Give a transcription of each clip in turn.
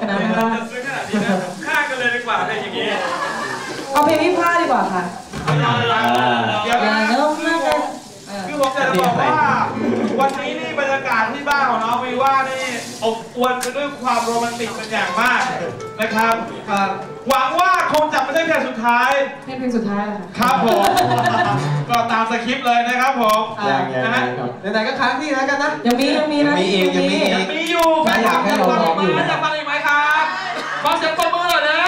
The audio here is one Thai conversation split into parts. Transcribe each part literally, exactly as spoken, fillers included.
นั้นนะคะฆ่ากันเลยดีกว่าเป็นอย่างนี้เอาเพลงพี่พลาดดีกว่าค่ะอย่าเริ่มมากเลยคือผมจะบอกว่าวันนี้นี่บรรยากาศที่บ้านของน้องวีว่านี่อบอวลไปด้วยความโรแมนติกเป็นอย่างมากนะครับหวังว่าคงจะไม่ใช่เพลงสุดท้ายเพลงสุดท้ายค่ะครับผมก็ตามสคริปต์เลยนะครับผมนะฮะไหนๆก็ค้างที่แล้วกันนะยังมียังมีนะมีอีกยังมีอีกยังมีอยู่แฟนคลับจะฟังอีกไหมจะฟังอีกไหมครับขอเสียงปรบมือหน่อยนะ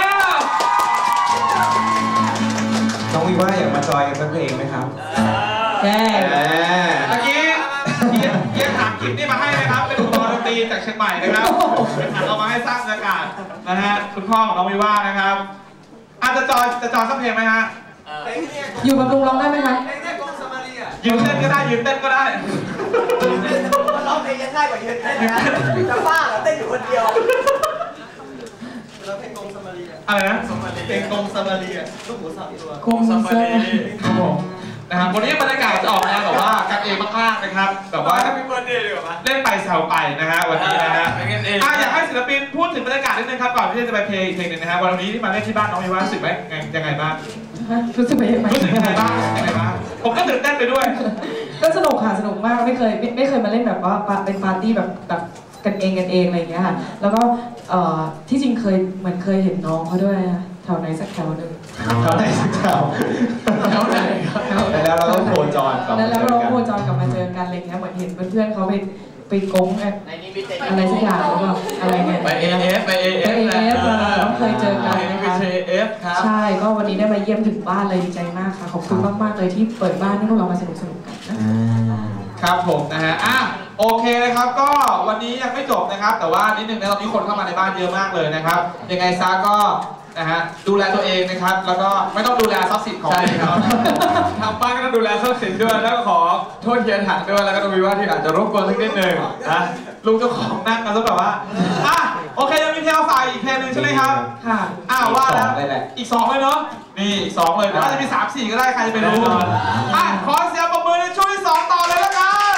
น้องวีว่าอยากมาจอยกันสักเพลงไหมครับแย่เมื่อกี้เยี่ยมถามกิฟนี่มาให้นะครับเป็นอุปกรณ์ดนตรีจากเชียงใหม่นะครับเป็นถังเอามาให้สร้างบรรยากาศนะฮะคุณพ่อของน้องวีว่านะครับอาจจะจอยจะจอยสักเพลงไหมฮะอยู่กับลุงร้องได้ไหมคะยืนเต้นก็ได้ยืนเต้นก็ได้ร้องเพลงยังง่ายกว่ายืนเต้นนะจะบ้าเหรอเต้นอยู่คนเดียวเราเพลงกงสมารีอะไรนะเพลงกงสมารีลูกหมูสับตัวกงสมารีครับผมนะครับวันนี้บรรยากาศจะออกมาแบบว่ากันเองมากๆนะครับแบบว่าเล่นไปแซวไปนะฮะวันนี้นะฮะอยากให้ศิลปินพูดถึงบรรยากาศนิดนึงครับก่อนที่จะไปเพลงอีกเพลงนึงนะฮะวันนี้ที่มาเล่นที่บ้านน้องมีว่ารู้สึกไหมยังไงบ้างรู้สึกยังไงรู้สึกยังไงบ้างยังไงบ้างผมก็ตื่นเต้นไปด้วยก็สนุกค่ะสนุกมากไม่เคยไม่เคยมาเล่นแบบว่าเป็นปาร์ตี้แบบแบบกันเองกันเองอะไรอย่างเงี้ยค่ะแล้วก็ที่จริงเคยเหมือนเคยเห็นน้องเขาด้วยแถวไหนสักแถวหนึ่งแถวไหนสักแถวแถวไหนแล้วเราก็โคจรกลับแล้วเราโคจรกลับมาเจอกันอะไรเงี้ยเหมือนเห็นเพื่อนๆเขาไปไปโกงอะไรสักอย่างหรือเปล่าอะไรเนี่ยไปเอเอฟไปเอเอฟไปเอเอฟเราเคยเจอกันนะคะใช่ก็วันนี้ได้มาเยี่ยมถึงบ้านเลยดีใจมากค่ะขอบคุณมากๆเลยที่เปิดบ้านให้พวกเรามาสนุกสนุกกันครับผมนะฮะอ่ะโอเคนะครับก็วันนี้ยังไม่จบนะครับแต่ว่านิดนึงนะตอนนี้คนเข้ามาในบ้านเยอะมากเลยนะครับยังไงซะก็นะฮะดูแลตัวเองนะครับแล้วก็ไม่ต้องดูแลทรัพย์สินของเขาทางบ้านก็ต้องดูแลทรัพย์สินด้วยแล้วก็ขอโทษเฮียถังด้วยแล้วก็ต้องมีว่าที่อาจจะรบกวนสักนิดนึงนะลุงเจ้าของนั่งกันซะแบบว่าอ่ะโอเคยังมีเพลงฝ่ายอีกเพลงนึงใช่ไหมครับค่ะอ้าวว่าแล้วอีกสองเลยเนาะนี่อีกสองเลยแต่ว่าจะมีสามสี่ก็ได้ใครจะไปรู้อ่ะขอเสียงปรบมือในช่วงที่สองต่อเลยแล้วกัน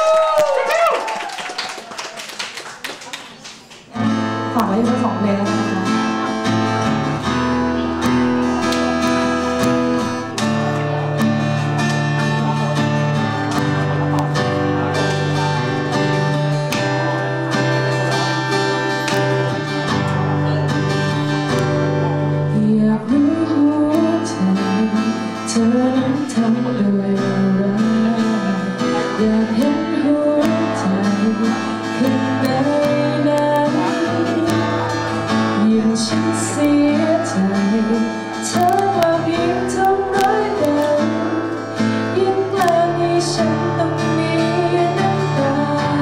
ฝากไว้ทั้งสองเพลงแล้วนะคะอยากรู้หัวใจเธอนั้นทำด้วยอะไรอยากเห็นหัวใจข้างในนั้นยิ่งฉันเสียใจเธอว่าเพียงทำร้ายกันยิ่งแกล้งให้ฉันต้องมีน้ำตา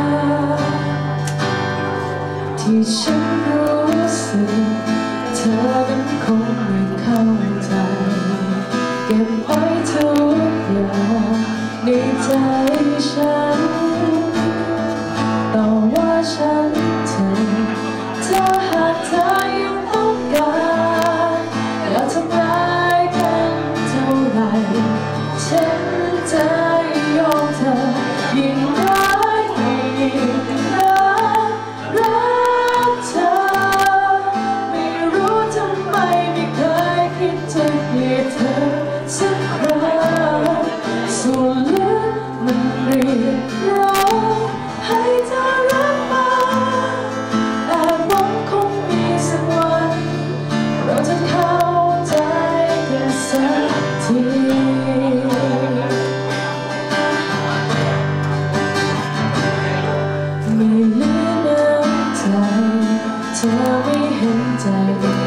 ที่ฉันรู้สึกเธอนั้นคงไม่เข้าใจเก็บไว้ทุกอย่างในใจฉันแต่ว่าฉันเธอถ้าหากเธอยังต้องการอยากทำร้ายกันเท่าไรฉันจะยอมเธอยิ่งร้ายยิ่งรักรักเธอไม่รู้ทำไมไม่เคยคิดจะเกลียดเธอสักครั้งส่วนลึกมันเรียกร้องให้เธอรับมาแต่หวังคงมีสักวันเราจะเข้าใจกันสักทีไม่เหลือน้ำใจเธอไม่เห็นใจ